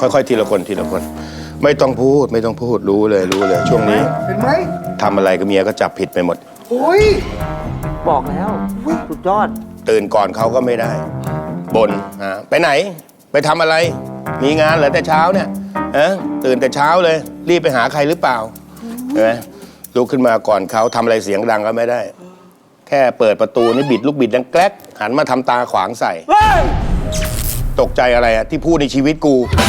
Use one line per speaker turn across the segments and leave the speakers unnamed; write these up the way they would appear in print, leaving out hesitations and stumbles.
ค่อยๆทีละคนทีละคน ไม่ต้องพูดไม่ต้องพูดรู้เลยช่วงนี้
เห็นไหม
ทำอะไรกับเมียก็จับผิดไปหมด
โอ้ย
บอกแล้วสุดยอด
ตื่นก่อนเขาก็ไม่ได้บ่นไปไหนไปทำอะไร มีงานเหรอแต่เช้าเนี่ยตื่นแต่เช้าเลยรีบไปหาใครหรือเปล่าเห็นไหมลุกขึ้นมาก่อนเขาทำอะไรเสียงดังก็ไม่ได้ แค่เปิดประตูนี่บิดลูกบิดดังแกล้กหันมาทำตาขวางใส่ ตกใจอะไรอะที่พูดในชีวิตกู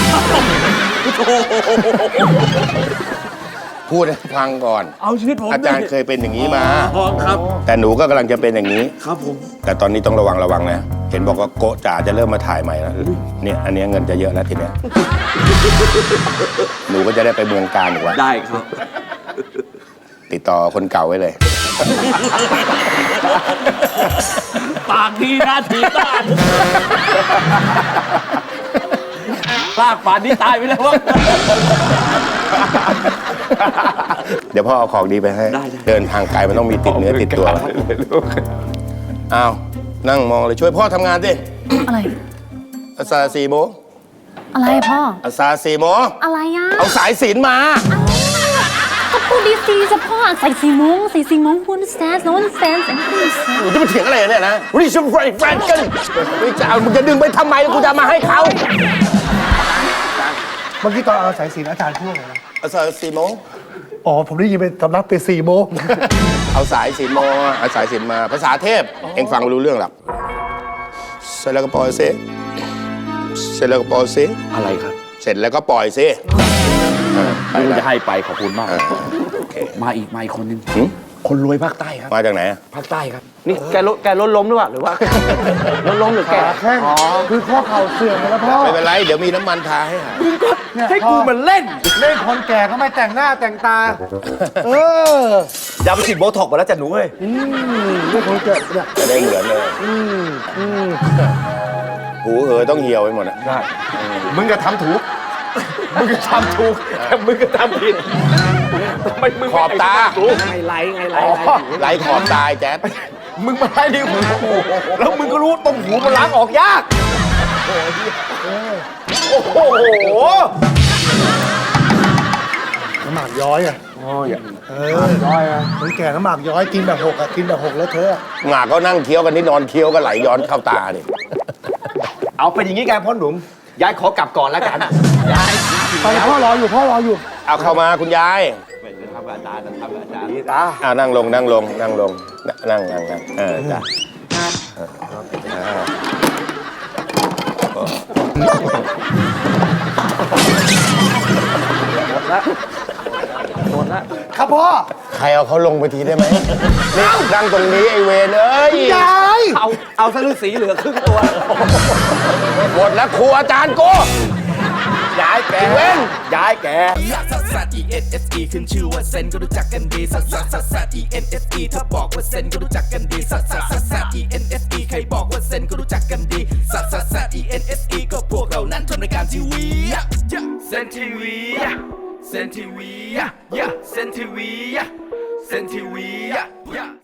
พูดให้ฟังก่อน
เอาชีวิตผม
อาจารย์เคยเป็นอย่างนี้มา
ครับ
แต่หนูก็กำลังจะเป็นอย่างนี้
ครับผม
แต่ตอนนี้ต้องระวังนะ เห็นบอกว่าโกะจ๋าจะเริ่มมาถ่ายใหม่แล้วเนี่ยอันนี้เงินจะเยอะแล้วทีเนี้ย หนูก็จะได้ไปเมืองการอีกวัน
ได้ครับ
ติดต่อคนเก่าไว้เลย
ปากดีนะถีบบ้านลากป่านนี้ตายไปแล้ววะ
เดี๋ยวพ่อเอาของดีไปให้
ได้
เดินทางไกลมันต้องมีติดเนื้อติดตัวอ้าวนั่งมองเลยช่วยพ่อทำงานสิ
อะไร
อาซา4 โมง
อะไรพ่อ
อาซา4 โมง
อะไรอ่ะ
เอาสายสิญจน์มา
ก็พูดดีๆจะพ่อใส่4 โมงคุณแซนโน้นแซนแซนคุณแซน
หนูจะมาเถียงอะไรเนี่ยนะริชแฟนกันไม่จะเอามึงจะดึงไปทำไมกูจะมาให้เขา
เมื่อกี้ตอนเอาสายสิญจน์อาจารย์พูดอะไรนะ
อาซา4 โมง
อ๋อ ผมได้ยินเป็นสำนักเป็น4 โมง
เอาสายสิญจน์มาเอาสายสิญจน์มาภาษาเทพเอ็งฟังไม่รู้เรื่องหรอกเสร็จแล้วก็ปล่อยซิเสร็จแล้วก็ปล่อยซิ
อะไรครับ
เสร็จแล้วก็ปล่อยซิ
ไม่รู้จะให้ไปขอบคุณมาก
โอเค
มาอีกคนนึง
หึ
คนรวยภาคใต้ครับ
มาจากไหนอะ
ภาคใต้ครับ นี่แกรถล้มหรือเปล่าหรือว่า รถล้มหรือแก
ขาแข้งคือข้อเข่าเสื่อมไปแล้วพ่อ
ไม่เป็นไรเดี๋ยวมีน้ำมันทาให้หาย
เนี่ย
ให้กูมันเล่น
เล่นคนแก่ก็ไม่แต่งหน้าแต่งตา เออ
อย่าไปฉีดโบท็อกมาแล้วจ้ะหนูเว้ย
เล่นคนแก่เนี่ย
จะได้เหมือนเลยหูต้องเหี่ยวไปหมดอะ
ได้ มึงก็ทำถูก มึงก็ทำถูก แต่มึงก็ทำผิดทำไมมึง
ขอบตา
ไงไล่
ไหลขอบตายแจ๊ด
มึงมาไล่ในหูกูแล้วมึงก็รู้ตรงหูมันล้างออกยาก โอ้โห
น้ำหมากย้อยอ่ะย้อยอ่ะคนแก่น้ำหมากย้อยกินแบบหกอ่ะกินแบบหกแล้วเธอ
หงากก็นั่งเคี้ยวกันนี่นอนเคี้ยวก็ไหลย้อนเข้าตาดิ
เอาเป็นอย่างนี้กันพ่อหนุ่มยายขอกลับก่อนแล้วกันยาย
ไปพ่อรออยู่
เอาเข้ามาคุณยาย
ทำอาจารย์นี่ตา
นั่งลงนั่งจ้ะ
หมดละ
ครับพ่อ
ใครเอาเขาลงไปทีได้ไหมนี่นั่งตรงนี้ไอเวนเอ้ย
ยาย
เอาซะฤาษีเหลือครึ่งตัว
หมดแล้วครูอาจารย์กู
ย้ายแก
เว้น
ย้ายแก
ซัสซัส E N S E ขึ้นชื่อว่าเซนก็รู้จักกันดีซัสซัสซัสซัส E N S E ถ้าบอกว่าเซนก็รู้จักกันดีซัสซัสซัสซัส E N S E ใครบอกว่าเซนก็รู้จักกันดีซัสซัสซัส E N S E ก็พวกเรานั้นทำรายการทีวีเซนทีวีเซนทีวีเซนทีวีเซนทีวี